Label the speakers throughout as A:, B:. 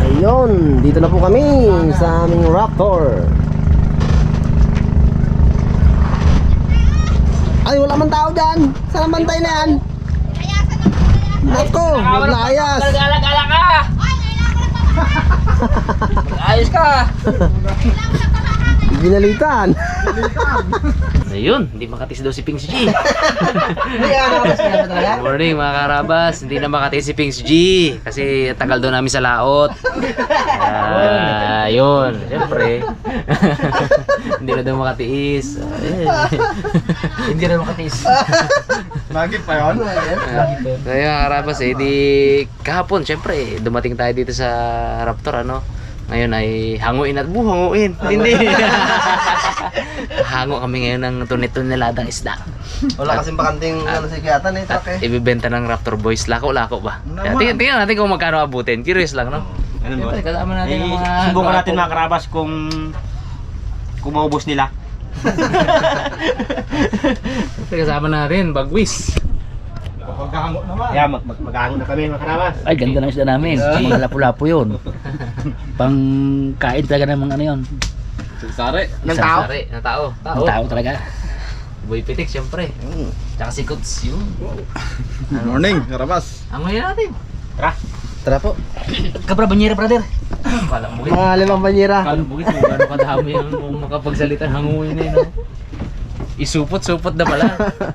A: Ayun, dito na po kami sa aming Raptor. Ay, wala man tao dyan. Saan ang bantay na yan? Nako, naglayas.
B: Gala-gala ka! Ayos ka!
A: Binalitan.
B: Ayun, hindi makatis daw si Pings G.
A: Hindi ka nakabas ka na talaga?
B: Good morning mga karabas, hindi na makatis si Pings G kasi tagal daw namin sa laot. Ayun, siyempre. Hindi na daw makatiis. Hindi na makatiis.
C: Magit pa yun?
B: Kaya mga karabas di kahapon siyempre dumating tayo dito sa Raptor ano. Ngayon ay hanguin at hanguin. Hindi. Hango kami ngayon ng tunit-tuniladang isda.
A: Wala kasing bakanting ano si Kiyatan eh, truck eh.
B: Ibibenta ng Raptor Boys. Lako-lako ba? Kaya tingnan natin kung magkano abutin. Curious lang, no? Siyempre, kasama natin ang mga...
C: Subukan natin mga karabas kung maubos nila.
B: Siyempre, kasama natin. Bagwis.
C: Magkahango naman. Yeah, magkahango na kami mga karabas.
D: Ay, ganda ng isda namin. Mga lapu-lapu yun. Pang kain talaga ng mga ano yun.
B: Sari. Ng tao? Sari. Ng tao.
D: Ng tao talaga.
B: Boy Pitik, siyempre. Tsaka si Kuts yun.
C: Good morning, karabas.
B: Hangoy natin. Tara.
A: Tara po.
D: Kabra, banyera, brother.
B: Kalang bugis.
A: Mga 5 banyera.
B: Kalang bugis. Kung gano'ng kadami yung kung makapagsalita hanguin na yun. No? Isupot-supot na pala.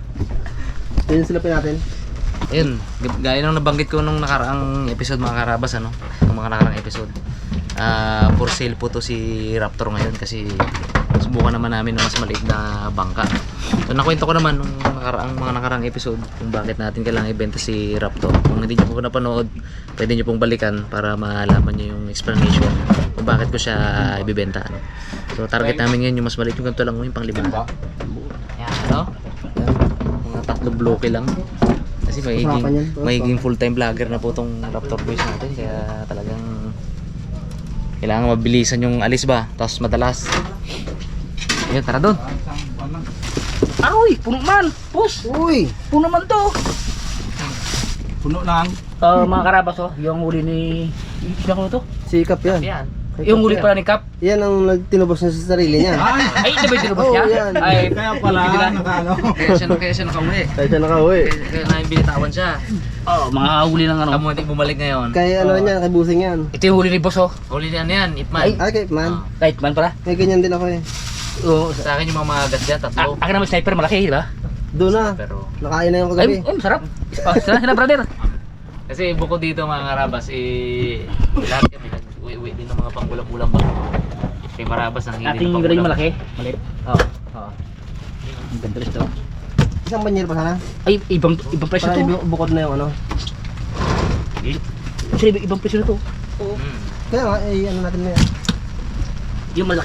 A: Yun silapin natin.
B: Ayun, gaya nung nabanggit ko nung nakaraang episode mga karabas ano, nung mga nakaraang episode. For sale po to si Raptor ngayon kasi subukan naman namin ng mas maliit na bangka. So nakwento ko naman nung mga nakaraang episode kung bakit natin kailangan ibenta si Raptor. Kung hindi niyo po napanood, pwede niyo pong balikan para malaman niyo yung explanation kung bakit ko siya ibebenta. Ano. So target namin ngayon yung mas maliit, yung ganito lang yung pang-5. Yan, ano? Mga 3 bloke lang. Kasi magiging full-time vlogger na po tong Raptor Boys natin kaya talagang kailangan mabilisan yung alis ba tapos madalas. Ayun, tara doon.
D: Aroy, puno man. Pus,
A: Uy!
D: puno man to.
C: Puno lang.
D: Mga karabas oh, yung huli ni... Sino ko to?
A: Sikap yan.
B: Yan.
D: Yung huli pala ni Cap.
A: Yan ang tinubos niya sa sarili niya.
D: Ay, ito ba yung tinubos
A: Oo,
D: niya?
A: yan.
D: Ay,
C: Kaya pala, nakano.
B: Kaya siya nakauwi.
A: Kaya siya nakauwi.
B: Kaya namin binitawan siya.
D: mga huli ng ano.
B: Kamu hindi bumalik ngayon.
A: Kaya ano niya, kay Busing yan.
D: Ito yung huli ni boss oh.
B: Huli niya ano yan, Ipman.
A: Ay, kay man.
D: Kahit man pala.
A: May ganyan din ako eh.
D: Oo.
B: Sa akin yung mga magas dyan, tatlo.
D: Akin naman sniper malaki, di ba?
A: Doon na.
B: Pero
A: Nakain na yung
D: Ay,
A: kagabi.
D: masarap. Sila brother.
B: kasi bukod dito mga karabas, lahat kami nag-uwi din ng mga panggulang-gulang ba. Kay Marabas ang hindi
D: Ating gano'n yung malaki. Maliit.
B: Oo.
D: Ang ganda rin ito.
A: Isang banyera pa sana.
D: Ay, ibang presyo
A: Para
D: to.
A: bukod na yung ano.
D: Actually, ibang presyo na to.
A: Kaya nga, ano natin na yan.
D: Yung malaki.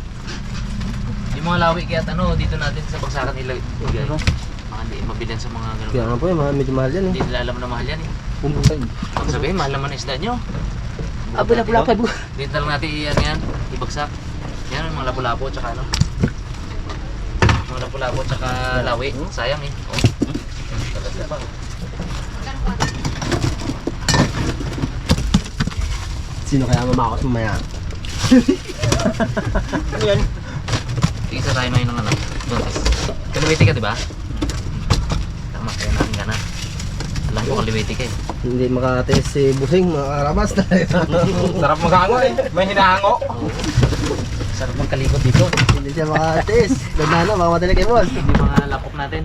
B: Yung mga lawi kaya dito natin sa bagsakan ilagay. Mga hindi mabilan sa mga ganun.
A: Kaya nga po yung medyo mahal yan eh.
B: Hindi nila alam na mahal yan eh.
D: Pumusay.
B: Kung sabihin, mahal naman ang isda nyo.
D: Lapu-lapu.
B: Dito lang natin yan, ibagsak. Yan, mga lapu-lapu tsaka ano. Mga lapu-lapu tsaka lawi. Sayang eh. Oh. Talaga pa.
A: Sino kaya mamakos mamaya?
C: Ano yan?
B: Isa tayo ngayon ng ano. Kaliwiti ka diba? Tama, kaya namin ka na. Alam ko kaliwiti ka eh.
A: Hindi makatiis si Busing, mga karabas na.
C: Sarap maghango eh. May hinahango.
B: Sarap magkalikot dito.
A: Hindi siya makatiis. Ganda na, baka madali kay boss.
B: Yung mga lapok natin.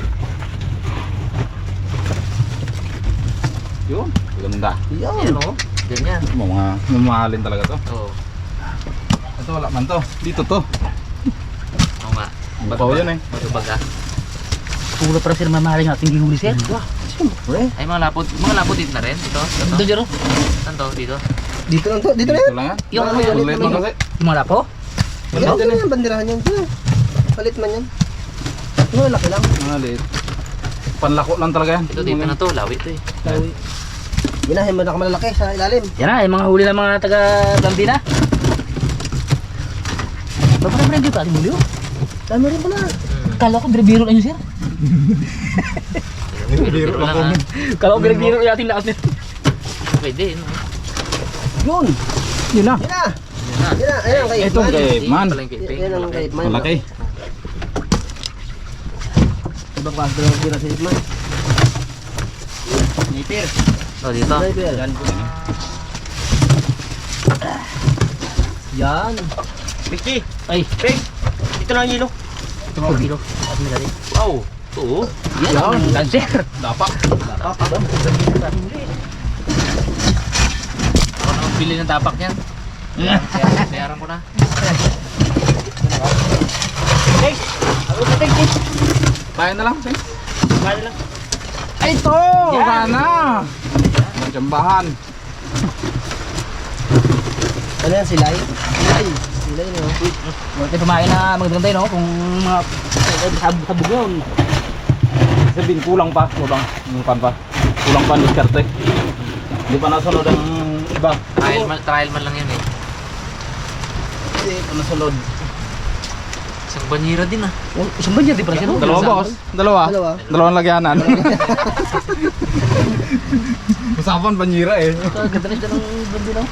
C: Yun. Ganda.
B: Yan
A: Yan.
B: o. Ganyan.
C: Mga mamahalin talaga to.
B: Oo.
C: Ito wala man to. Dito to.
B: Oo nga.
C: Bato yun eh.
B: Matubag ah.
D: Pula para sila mamahalin natin gihuli sir.
A: Siyempre.
B: Ay mga lapot dito na rin. Ito.
D: Ito dyan oh.
B: Saan to? Dito.
A: Dito lang to, dito na yan.
C: Ito lang yan.
D: Yung ano yan.
C: Ulit lang kasi.
D: Yung mga lapo.
A: Yan, dyan na yan, bandirahan yan. Dyan. Palit man yan. Ano, laki lang.
C: Mga liit. Panlako lang talaga yan.
B: Ito dito na to. Lawi to eh.
A: Lawi. Yan na, yung malalaki sa ilalim.
D: Yan na, yung mga huli ng mga taga-Blandina. Bapak na dito ating huli oh.
A: Dami rin pala.
D: Kala ko biro lang yun sir.
B: Biro lang ah.
D: Kala ko biro yung ating lakas nito.
B: Pwede. No?
A: Yun!
D: Yun na.
A: Yan na! Yan na, ayan kay
D: Ito kay Man.
B: Pala yung kiping.
A: Yan ang kay Man.
D: Malaki.
A: Ibang kaso lang tira sa Man.
C: Nipir.
B: Oh, dito.
A: Yan. Yan.
C: Piki.
D: Ay.
C: Pig. Ito na ang hilo.
D: Ito mga kilo. At may dali.
C: Wow. Oo.
D: Yan ang lancer.
B: Dapak. Ako na bili ng dapak niyan. Bayaran ko na.
C: Hey. Ako sa tig.
D: Bayan na lang.
C: Kaya lang.
D: Ay, ito! Sana! Jambahan.
A: Ano yan, silay? Silay. Silay no.
D: Huwag tayo pumain na magaganda no? Kung mga sabog yun. Sabihin kulang pa. Kulang. Yung pan pa. Kulang pa diskarte. Hindi pa nasunod ang iba.
B: Trial man lang yan eh.
D: Hindi pa nasunod.
B: Isang banyera din ah.
D: Isang banyan, di pa na siya no?
A: Dalawa, boss.
D: Dalawa.
A: Dalawa.
D: Dalawang lagyanan. Usapan banyira eh. Ganda na siya ng bandi no?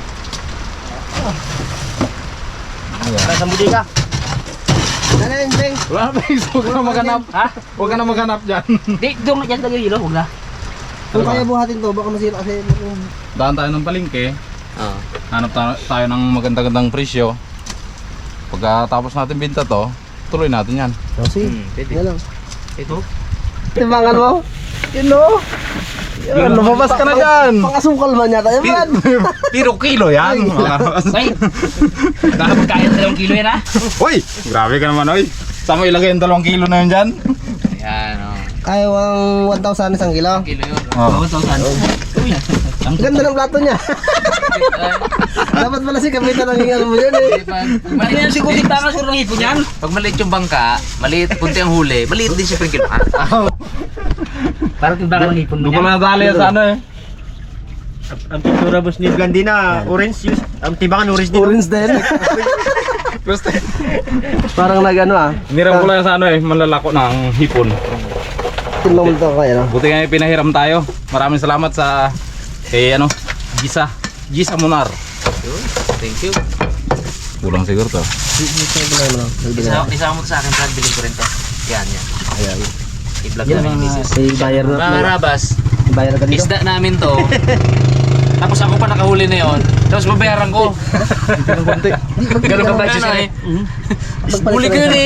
C: Nasa muli ka.
A: Ano yan, Beng?
D: Wala na huwag ka na maghanap.
C: Ha?
D: Huwag ka na maghanap dyan.
C: Di, doon yan lagi yung hilo. Huwag na.
A: Kung kaya buhatin to, baka masira kasi.
D: Daan tayo ng palengke.
B: Oo.
D: Hanap tayo ng maganda-gandang presyo. Pagkatapos natin binta to, tuloy natin yan.
A: Kasi,
B: Pwede.
A: yan lang.
B: Ito.
A: Timbangan mo?
D: Yun no? Yan, lumabas ka na dyan.
A: Pangasukal man yata yan, man.
D: Pero kilo yan.
C: Ay. Baka magkaya ng 2 kilo yan ha.
D: Uy, grabe ka naman oy. Saan mo ilagay yung 2 kilo na yun dyan?
B: Ayan o.
A: Kaya ang 1,000 isang kilo.
B: Kilo yun.
D: Oh.
C: 1,000. Uy.
A: Ang ganda ng plato niya. Dapat pala si Kapitan ang hingal mo dyan eh.
C: Mali na siguro yung tangas ko ng hipon yan.
B: Pag maliit yung bangka, maliit, punti ang huli, maliit din siyempre yung kiloan.
C: Parang timbangan ng hipon mo
D: Doon ko
C: yan.
D: na nadali yan sa ano eh.
C: Ang pintura boss ni Gandina, orange yun. Ang timbangan orange din.
A: Orange din.
D: Basta,
A: Parang nag-ano ah.
D: niram ko lang sa ano eh, malalako ng hipon.
A: Timbang mo ito kaya no?
D: Buti nga pinahiram tayo. Maraming salamat sa kay ano, Gisa Munar.
B: Thank you.
D: Kulang siguro to.
B: Isama mo to sa akin, Brad, bilhin ko rin to. Yan, yan.
A: Ayan.
B: I-vlog
A: Yan
B: namin yung
A: mga
B: misis.
A: bayar na.
B: Mga Rabas,
A: Bayar ka dito.
B: isda namin to. Tapos ako pa nakahuli na yon. Tapos babayaran ko. Ganun ka ba siya eh? Huli ko yun eh.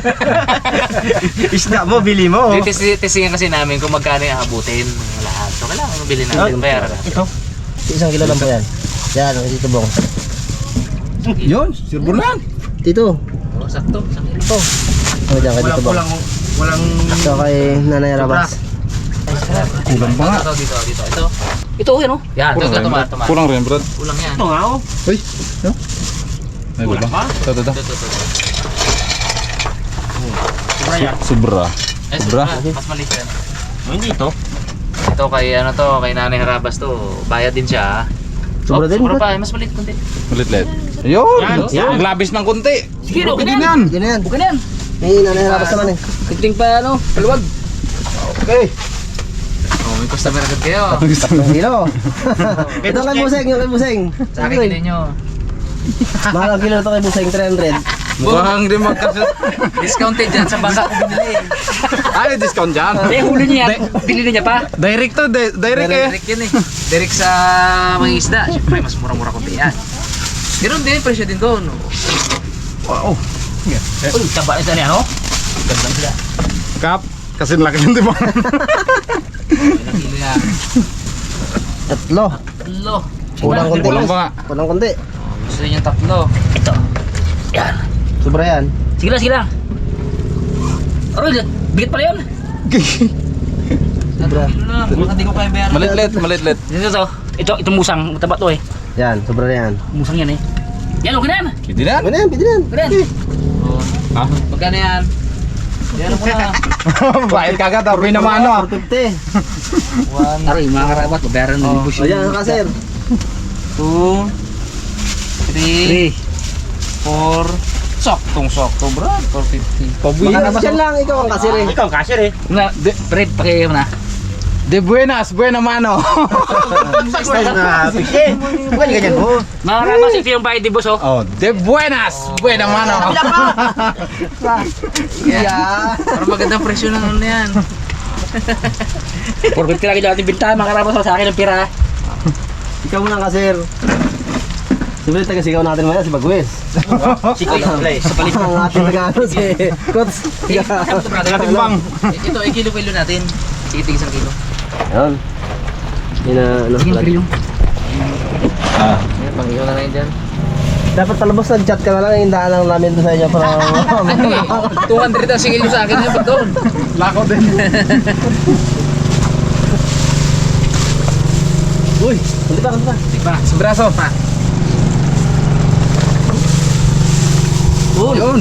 C: Isda mo, bili mo.
B: Tisingan kasi namin kung magkano yung abutin ng lahat. So kailangan mabili natin. Bayaran natin.
C: Ito.
A: Isang kilo lang po yan. Yan, ang Tito Bong.
D: Yun, sirbol na yan.
A: Tito.
B: Oh, sakto. Sakto.
A: Ito. Ano dyan kay Tito Bong?
C: Walang
A: Ito kay Nanay Rabas.
D: Kulang pa nga.
B: Dito. Ito.
C: ito yan oh.
B: Yan, ito,
D: Kulang rin,
B: tumat.
D: Kulang rin, Brad.
B: Kulang yan.
C: Ito nga oh.
D: Uy, no? Ay,
C: Kulang
D: kulang.
C: pa?
D: Ito.
B: Ito.
C: Sobra yan.
D: Sobra.
B: Eh,
D: Sobra.
B: mas maliit yan.
C: Oh, hindi ito.
B: Ito kay ano to, kay Nanay Harabas to. Bayad din siya.
A: Sobra din,
B: Sobra
A: Brad.
B: pa, mas maliit kunti.
D: Ulit-lit. Yun!
C: Yan.
D: Naglabis ng kunti.
C: Sige, okay na
D: Pwede
C: yan.
D: yan.
A: Yan na yan.
C: Okay na yan.
A: May Nanay Rabas naman eh.
C: Tigting pa ano, paluwag.
D: Okay.
B: Oh, may customer agad kayo.
A: Ang kilo. Ito kay Buseng, yung kay Buseng.
B: Sa akin din nyo.
A: Mahal ang kilo ito kay Buseng, 300.
D: Mukhang di magkasya.
B: Discounted dyan sa bangka ko binili.
D: Ay, discount dyan.
C: Eh, huli niya yan. Bili na niya pa.
D: Direct to, direct eh.
B: Direct yan eh. Direct sa mga isda. Siyempre, mas mura-mura kunti yan. Meron din, presyo din doon.
D: Wow.
C: Uy, taba na niya no? Gandang sila.
D: Kap, kasi laki ng di ba?
B: Ilang kilo yan?
A: Tatlo.
B: Tatlo.
A: Kulang konti.
D: Kulang pa nga.
A: Kulang konti.
B: Oh, gusto niyo tatlo.
C: Ito. Yan.
A: Sobra yan.
C: Sige lang. Aroy, bigat pala yun.
B: Tatlong kilo lang. Baka di ko kaya bayaran.
D: Malitlit.
C: Ito musang, mataba to eh.
A: Yan, sobra na yan.
C: Musang yan eh. Yan, okay na yan.
D: Hindi na.
A: Pwede na yan, pwede na yan.
C: Okay na yan.
B: Oh,
D: Ha?
B: magkano yan? Bayaran mo na.
D: Bayad kagad, tapos naman ano.
A: 450.
C: Aroy, mga karabat, babayaran ng libus
A: O yan, kasir.
B: 2, 3, 4. Saktong-sakto, Brad. 450.
A: Baka dyan lang, ikaw ang kasir eh.
C: Ikaw, cashier eh. Na, Fred, pakiyaw na.
E: De buenas, buena mano.
C: Na, pike. Bukan ganyan po.
D: Mga karabas, ito yung bayad ni boss, oh.
E: Oh, de buenas, buena mano.
A: Yeah.
B: Para magandang presyo ng ano yan.
D: 450 lagi natin bintahan, mga karabas, sa akin ang pira.
A: Ikaw muna ka, sir. Siyempre, taga-sigaw natin maya si Bagwes.
C: Sikoy play. Sa palit.
A: Ang ating taga-ano si Kots.
E: Timbang.
B: Ito, kilo-kilo natin. Sige, tig 1 kilo.
A: Yan. Yun na, ano, vlog.
B: Yan, pang-iyo na lang dyan.
A: Dapat palabas nag-chat ka na lang, hindahan lang namin doon sa inyo para...
B: Ano eh, 200 ang singil sa akin yan, ba't doon?
E: Lako din.
A: Uy, hindi pa.
B: Diba?
E: Braso. Yun.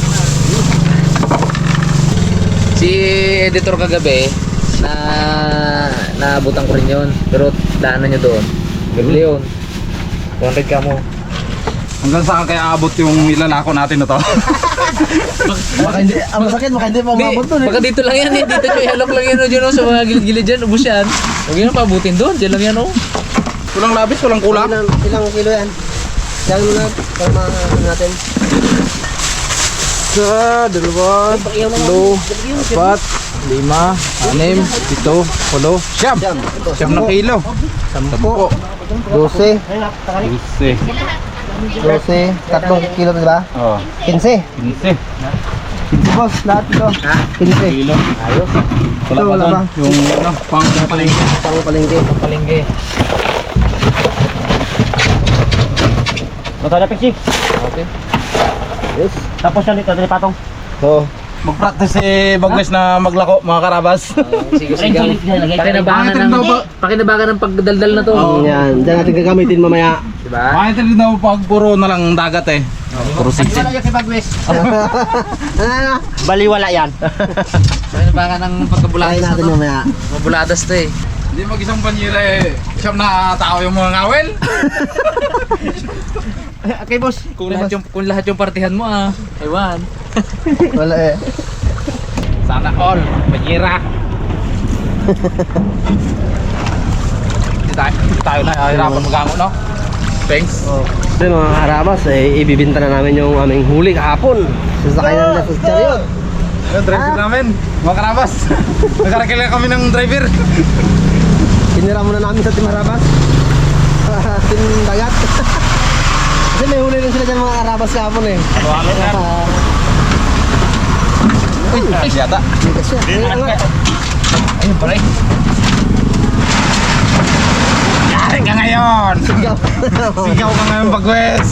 B: Si editor kagabi, naabutan ko rin yun. Pero daanan nyo doon. Gabili yun. 200 ka mo.
E: Hanggang saan kaya abot yung ilalako natin na to?
A: Baka hindi, ang masakit, baka hindi pa umabot doon eh.
B: Baka dito lang yan eh. Dito nyo ihalok lang yan dyan sa mga gilid-gilid dyan. Ubus yan. Huwag yan pabutin doon. Dyan lang yan oh.
E: Kulang labis, kulang kulang.
A: Ilang kilo yan? Yan muna, para ano natin. Isa, dalawa, tatlo, apat, 5, 6, 7, 8,
E: Siyam. Siyam na kilo.
A: 10, 12, 12, 3 kilo diba?
E: Oh,
A: 15.
E: 15.
A: 15 boss, lahat ito. 15.
E: Kilo.
A: Ayos.
E: Wala
A: Ito,
E: pa
A: wala
E: doon.
A: pa.
E: Yung ano, pang palengke.
A: Pang palengke.
B: Palingge.
C: Mata na piksi.
B: Okay.
A: Yes.
C: Tapos yan dito, dali patong.
A: So,
E: Mag-practice si Bagwes na maglako, mga karabas.
B: Sigaw-sigaw. Pakinabangan ng pagdaldal na to.
A: yan. Diyan natin gagamitin mamaya.
B: Diba?
E: Makita rin daw pag puro na lang dagat eh. Puro sitsit.
C: Wala yan si Bagwes.
A: Ano?
C: Baliwala yan.
B: Pakinabangan ng
A: Try
B: pagkabuladas na
A: natin
B: to.
A: mamaya.
B: Mabuladas to eh.
E: Hindi mag-isang panyera eh. Siyam na tao yung mga ngawel.
C: Okay, boss.
B: Kung lahat yung partihan mo ah. Ewan.
A: Wala eh.
E: Sana all. Panyera. Hindi tayo na hirapan magango, no? Thanks.
A: So yun, mga karabas, eh, ibibinta na namin yung aming huli kahapon. Sasakay na nila sa chariot.
E: Yung driver namin, mga karabas. Nagkarakila kami ng driver.
A: Tinira muna namin sa Team Harabas. Team Dagat. Kasi may huli rin sila dyan mga karabas kahapon eh.
E: Uy, yata.
A: Kasi, ayun nga.
E: Ayun pala eh. Yari ka ngayon!
A: Sigaw.
E: Sigaw ka ngayon, Bagwes!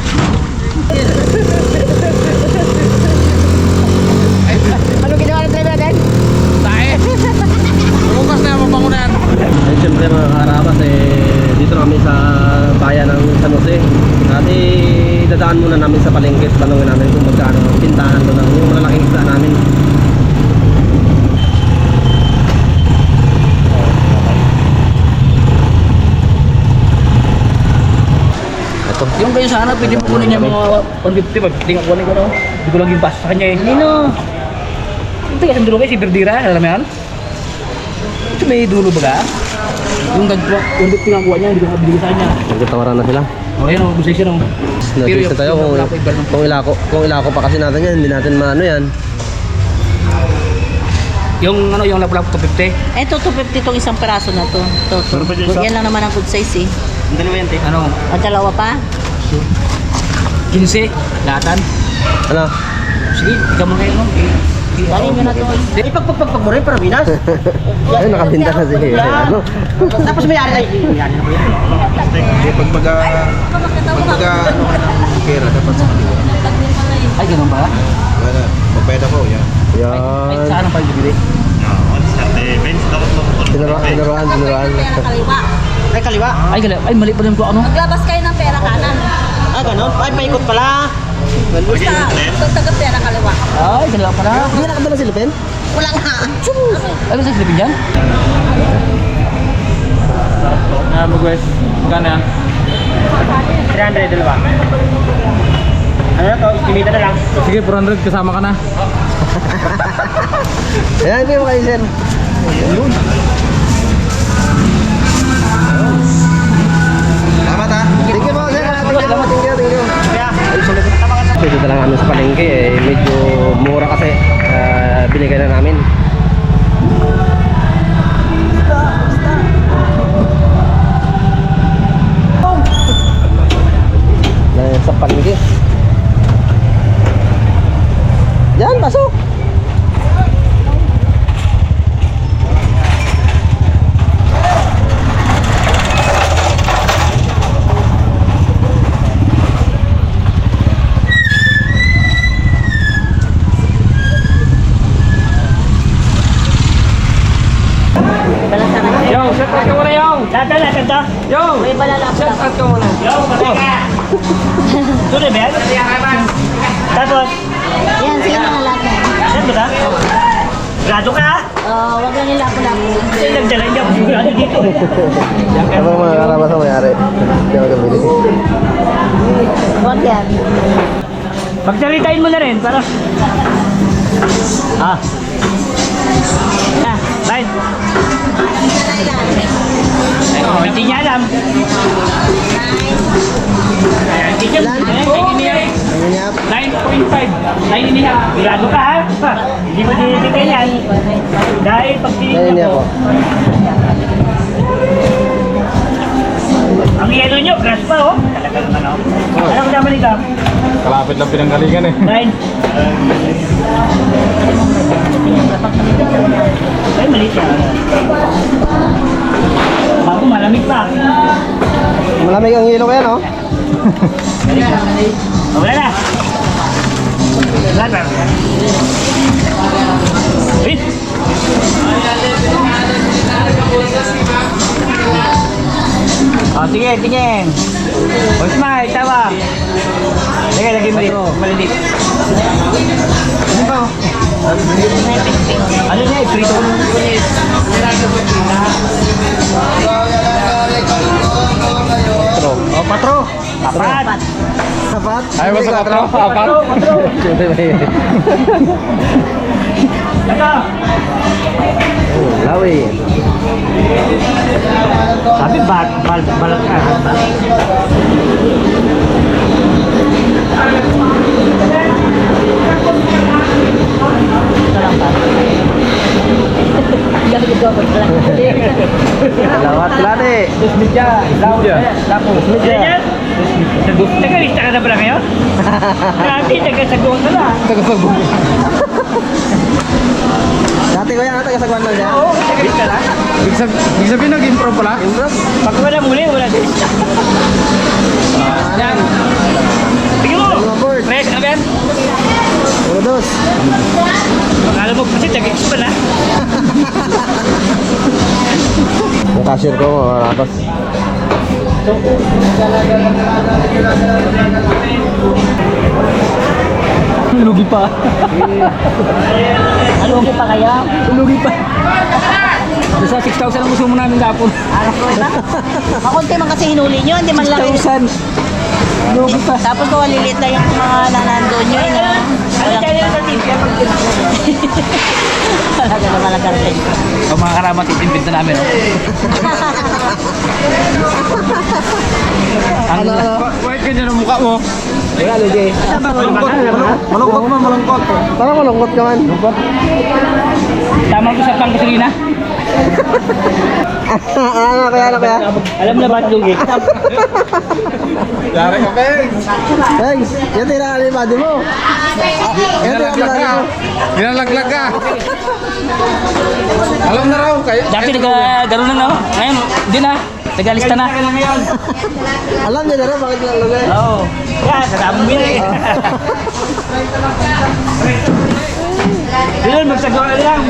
A: Ano ginawa ng driver natin?
E: Tae! Bukas na yung mabangunan.
A: Ay, siyempre mga karabas, eh, dito na kami sa bayan ng San Jose. At dadaan muna namin sa palengke. Tanungin namin kung magkano pintahan doon yung malalaking isda namin.
B: Ito.
D: Yung kayo sana, pwede mo kunin niya mga 150, pag tingnan ko ko, no? Hindi ko lang yung pass sa kanya eh. Nino! Ito kasi dulo kayo, si Berdira, alam mo yan? Ito may dulo ba ka? Yung nagkuha, 150 nga kuha niya, hindi ko nabili sa kanya.
A: Nagkatawaran na sila.
D: O yan o, busay siya no.
A: Nag-isa tayo kung ilako pa kasi natin yan, hindi natin maano yan.
D: Yung ano, yung lapu-lapu 250.
F: Ito, 250 tong isang peraso na to. Yan lang naman ang good size eh.
C: Ang dalawa yan, te.
D: Ano?
F: Ang dalawa pa?
D: 15, lahatan.
A: Ano?
D: Sige, ikaw mo kayo no.
F: Dali nyo na to.
C: Ipagpagpag mo rin para Minas.
A: Ay, nakabinta na si ano.
C: Tapos may ari. Yan na po yan.
A: Kira dapat sa kaliwa.
D: Ay, ganun ba?
A: Wala, magbayad ako yan.
D: Ay,
A: Yan.
D: saan ang pagbibili?
A: Tinuruan.
C: Ay, kaliwa.
D: Ay, mali pa rin ko ano.
F: Maglabas kayo ng pera kanan.
C: Ah, ganun. Ay, paikot pala.
F: Basta taga pera kaliwa.
D: Ay, dalawa pala.
A: Hindi nakadala si Lupin?
F: Wala nga.
D: Ano sa silipin dyan?
E: Bagwes, magkano yan?
C: 300, dalawa. Ano na to? Estimate na lang.
E: Sige, 400 kasama ka na.
A: Ayan, ito yung kayo, sir.
D: Yo!
F: May balala po
D: Shout
F: lang.
D: out ka muna.
C: Yo, pateka! Tuloy ba yan? Tapos,
F: Yan, sige na nga lahat na.
C: saan ba ka? Grado ka ha?
F: Wag lang nila lapo-lapo.
C: Kasi nagdala niya, grado dito.
A: Ano mga karabas ang mayari? Hindi ako gabili.
F: Wag yan.
C: Pagdalitain mo na rin, para... Ah. Ah, bye. Oh, hindi niya alam. Hindi niya alam.
A: Ano niya?
C: 9.5. Grado ka ha? Hindi mo dinibigay yan. Dahil pag
A: Ano
C: tinignan
A: niya
C: mo,
A: po?
C: ang yelo nyo, grass pa oh. Talaga naman oh. Alam ko naman ikaw.
E: Kalapit lang pinanggalingan eh.
C: 9. Ay, mali siya. Bago malamig pa.
A: Malamig ang hilo ko yan, oh.
C: Oh, wala na. Wala na. Wait. Oh, sige, tingin. Oh, smile, tawa. Sige, lagay mo dito. Malilit. Ano ba? Ano niya? Prito. Oh, patro. Apat.
A: Sapat?
E: Ay, basta ka tro. Apat.
A: Siyempre may...
C: Ito.
A: Oh, lawi.
C: Sabi balat ka.
A: Lawat lade. Lapos media.
C: Ganyan? Tagalista ka na pala ngayon? Grabe, tagasagong ka na.
A: Dati ko yan, taga-sagwan lang siya.
C: Oo, tagalista lang.
E: Ibig sabihin nag-improve pala?
A: Improve.
C: Pag wala muli, wala din. Yan. Tingin mo.
A: Mga board.
C: Fresh na ba yan?
A: Puro dos.
C: Akala mo kasi tag-ex pa na.
A: Yung cashier ko, tapos
D: Lugi pa.
F: Ano pa kaya?
D: Lugi pa. Nasa 6,000 ang gusto mo namin dapon.
F: Anak ko ba? Makunti man kasi hinuli nyo, hindi man lang.
D: 6,000. Lugi pa.
F: Tapos kung malilit na yung mga nanandun nyo, yun na.
C: Ano kaya sa team?
F: Wala ka naman ang kartel.
D: Ang mga karamat itimpid na namin, oh.
A: ano?
E: White ganyan ang mukha mo.
A: Wala, Luigi.
E: Malungkot mo, malungkot.
A: Parang malungkot ka man.
C: Tama ko sa pangkasilina.
A: Ano kaya?
C: Alam na ba ito, Lugi?
E: Yari ka, Peng.
A: Thanks. Yan tira ni body mo. Yan tira
E: Ginalaglag ka. Ginalaglag ka. Alam na raw.
D: Dati nagagano na, no? Ngayon, hindi na. Nagalista na.
A: Alam niya na rin bakit lang lagay.
C: Oo. Yan, kasama mo yun eh. Yun, magsagawa na lang.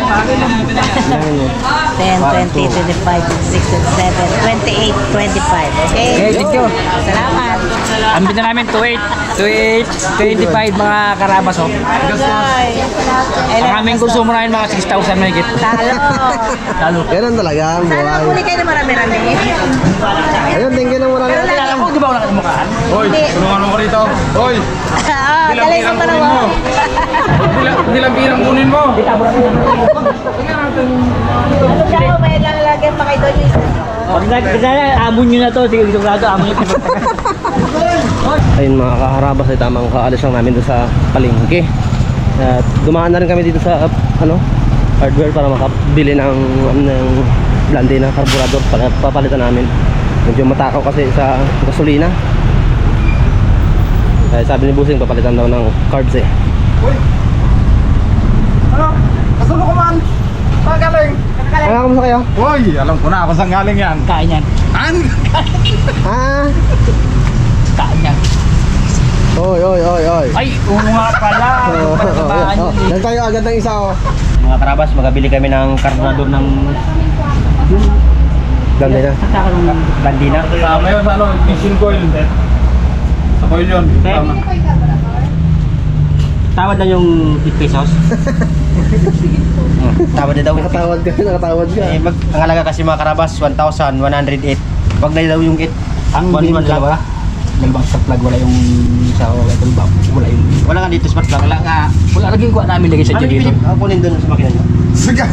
F: 10, 20, 25, 26, 27, 28, 25. Okay?
D: Okay, thank you.
F: Salamat.
D: Ambit na namin 28, 25 mga karabas, oh. Ang aming konsumo namin mga 6,000 may higit.
F: Talo.
D: Lalo.
A: Ganun talaga ang
F: Sana
A: buhay.
F: huli kayo na marami-rami.
A: Ayun, thank you ng marami.
D: Kilala mo, di ba ako nakalimukaan?
E: Hoy, tulungan mo ko rito. Hoy,
F: Galing sa
E: kunin mo.
F: panawa.
E: Nilang pirang kunin mo.
F: Ano siya, may lalagyan pa kayo doon yung isa.
C: Pag amon nyo na to, sige, sigurado, amon nyo.
A: Ayun mga kaharabas ay tamang kaalis lang namin doon sa palengke. At dumaan na rin kami dito sa hardware para makabili ng blande na carburetor para papalitan namin. Medyo matakaw kasi sa gasolina. Kaya sabi ni Busing papalitan daw ng carbs eh.
E: Ano? Kasulo ko man. Saan galing?
A: Ano kamusta kayo?
E: Hoy, alam ko na kung saan galing yan.
D: Kain yan.
E: An?
A: Ah!
D: Kain yan.
A: Oy.
D: Ay, oo nga pala.
A: Yan tayo agad ng isa oh.
C: Mga karabas, magabili kami ng karburador ng
A: Blande na.
C: Bandina.
E: Sama yun sa ano, ignition coil. Sa coil yun. Tama.
C: Tawad na yung 8 pesos. Tawad na daw.
A: Nakatawad ka.
C: Ang halaga kasi mga karabas, 1,108. Wag na daw yung 8.
D: Ang
C: One
D: dalawa. Dalawang spark plug, wala yung isa o wala yung...
C: Wala nga dito smart plug.
D: Wala laging kuha namin lagay sa dyan dito.
C: Kunin doon sa makina nyo.
E: Sige.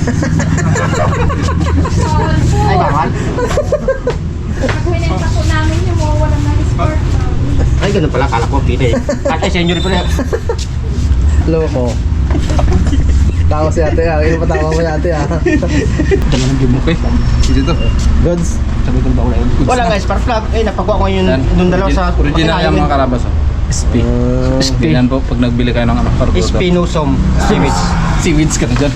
C: Ay, bawal.
G: Pag-winenta po namin yung mga walang na-sport.
C: Ay, ganun pala. Kala ko pide. At ay, senior pala.
A: Loko. Tawa si ate ah. Ino pa tawa mo si ate ah.
D: Dalawa ng gimok eh.
E: Dito.
A: Goods.
D: Sabi ko ba wala yung...
C: Wala nga spark plug. Eh, napakuha ko yung doon dalawa sa
E: Original
C: makina,
E: yung mga karabas. Oh.
D: SP. SP.
E: Yan po, pag nagbili kayo ng ano,
C: Spinosum. Seaweeds.
E: Seaweeds ka na dyan.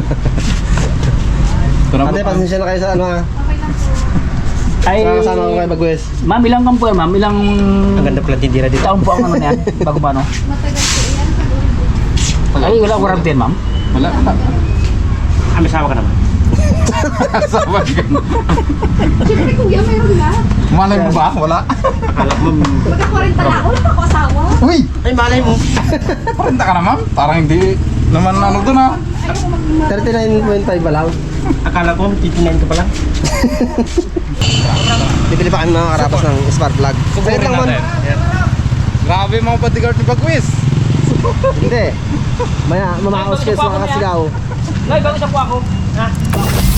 E: Ito na po.
A: Ate, pasensya na kayo sa ano ah.
D: Ay,
A: Kasama ko kayo mag-west.
D: ma'am, ilang kampo yan, ma'am? Ilang
C: Ang ganda pala tindira dito.
D: taon po ang ano na yan? Bago ba, no?
G: Matagal po yan.
D: Ay, wala warranty yan, ma'am?
E: Wala.
C: May sawa ka naman.
E: Sabi ka.
G: Siyempre kuya, mayroon na.
E: Malay mo ba? Wala.
C: Akala ko,
G: Magka-40 na ako, wala ako asawa.
E: Uy!
C: ay malay mo.
E: Parinta ka naman. Parang hindi naman ano doon ah.
G: Ayoko mag
A: 39.5 ba lang?
C: Akala ko, titinayin ka pala.
A: Bibili pa kami mga karabas ng spark plug. Saglit lang man.
E: Grabe mga bodyguard ni Bagwis.
A: Hindi. Maya, mamaos kayo sa mga kasigaw.
D: Nay, bago siya po ako. Ha?